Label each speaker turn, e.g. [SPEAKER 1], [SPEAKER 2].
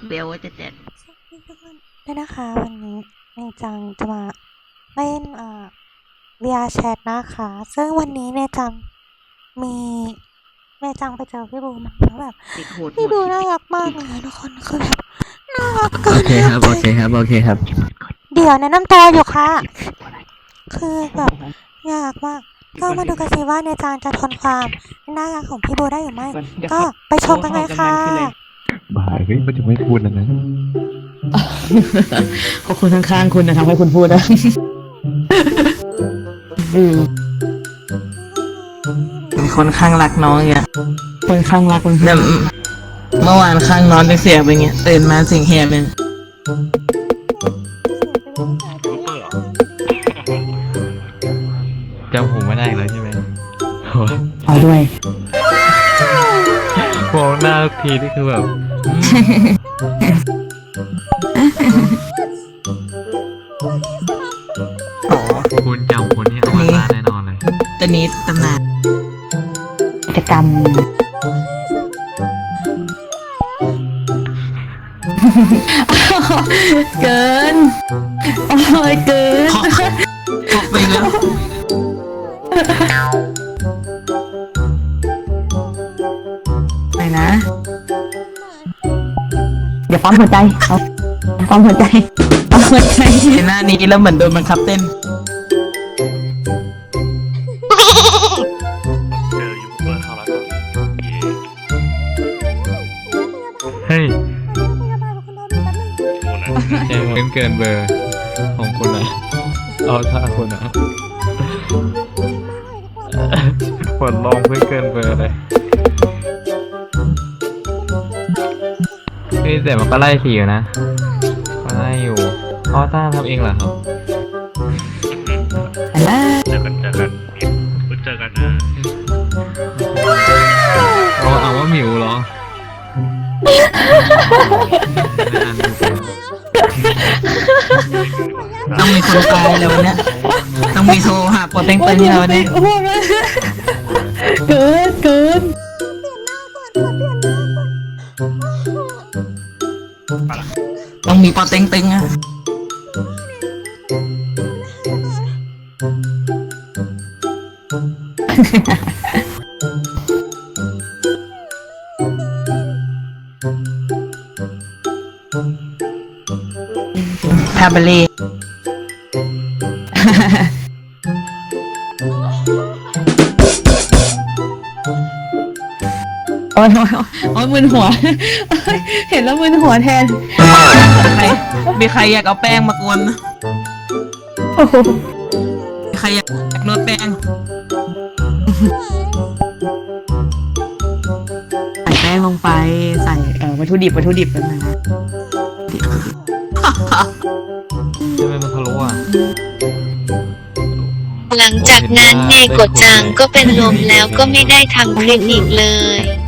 [SPEAKER 1] เบลว่าจะแจก
[SPEAKER 2] ได้นะคะวันนี้เนจังจะมาเล่นVR Chat นะคะซึ่งวันนี้เนจังมีเนจังไปเจอพี่บูมาแล้วแบบพี่บูน่ารักมากเลยทุกคนคือแบบน่ารักเกิน
[SPEAKER 3] โอเคครับโอเคครับโอเคครับ
[SPEAKER 2] เดี๋ยวแนะนำตัวอยู่ค่ะคือแบบน่ารักมากก็มาดูกันสิว่าเนจังจะทนความน่ารักของพี่บูได้หรือไม่ก็ไปชมกันเลยค่ะ
[SPEAKER 4] บ่ายเฮ้ยมันจะไม่พูดแล้วนะ
[SPEAKER 3] ก็คนข้างๆคุณนะทำให้คุณพูดนะ
[SPEAKER 1] มีคนข้างรักน้องอย่าง
[SPEAKER 3] คนข้างรักคน
[SPEAKER 1] แต่เมื่อวานข้างนอนเป็นเสียงเป็นเงี้ยตื่นมาเสียงเฮียเป็น
[SPEAKER 4] จำผมไม่ได้เลยใช่ไหม
[SPEAKER 3] เอาด้วย
[SPEAKER 4] มองหน้าทุกทีนี่คือแบบคุณจำคนนี้เอามาแน่นอนเลย
[SPEAKER 1] ตอนนี้ตำนาน
[SPEAKER 3] กิจกรรมเกินโอ้ยเกิน
[SPEAKER 1] พกไปแล้ว
[SPEAKER 3] ไหนนะเดี๋ยวปั๊มหัวใจเอาปั๊มหัวใจปั๊มหัวใจ
[SPEAKER 1] เห็นหน้านี้แล้วเหมือนโดนบังคับเต้น
[SPEAKER 4] เฮ้ยเกินเบอร์ของคุณนะเอาท่าคุณนะผลลองเพื่อเกินเบอร์เลยแต่มันก็ไล่สีอยู่นะก็ไล่อยู่อ๋อต้าทำเองเหรอครับเจอกันนะเอาว่าหมิวเหรอ
[SPEAKER 1] ต้องมีคนตายแล้ววันเนี้ยต้องมีโทรหาปอเต็งเต็งแล้ววันนี้
[SPEAKER 3] เกิน
[SPEAKER 1] ต้องมีปอเต็งเต็งอะคาบาเล่
[SPEAKER 3] โอ้ยมึนหัวเห็นแล้วมึนหัวแทน
[SPEAKER 1] มีใครอยากเอาแป้งมากวนมีใครอยากนวดแป้ง
[SPEAKER 3] ใส่แป้งลงไปใส่วัตถุดิบกันนะ
[SPEAKER 4] ทำไมมันทะลุอ่ะ
[SPEAKER 5] หลังจากนั้นเนโกะจังก็เป็นลมแล้วก็ไม่ได้ทำคลิปอีกเลย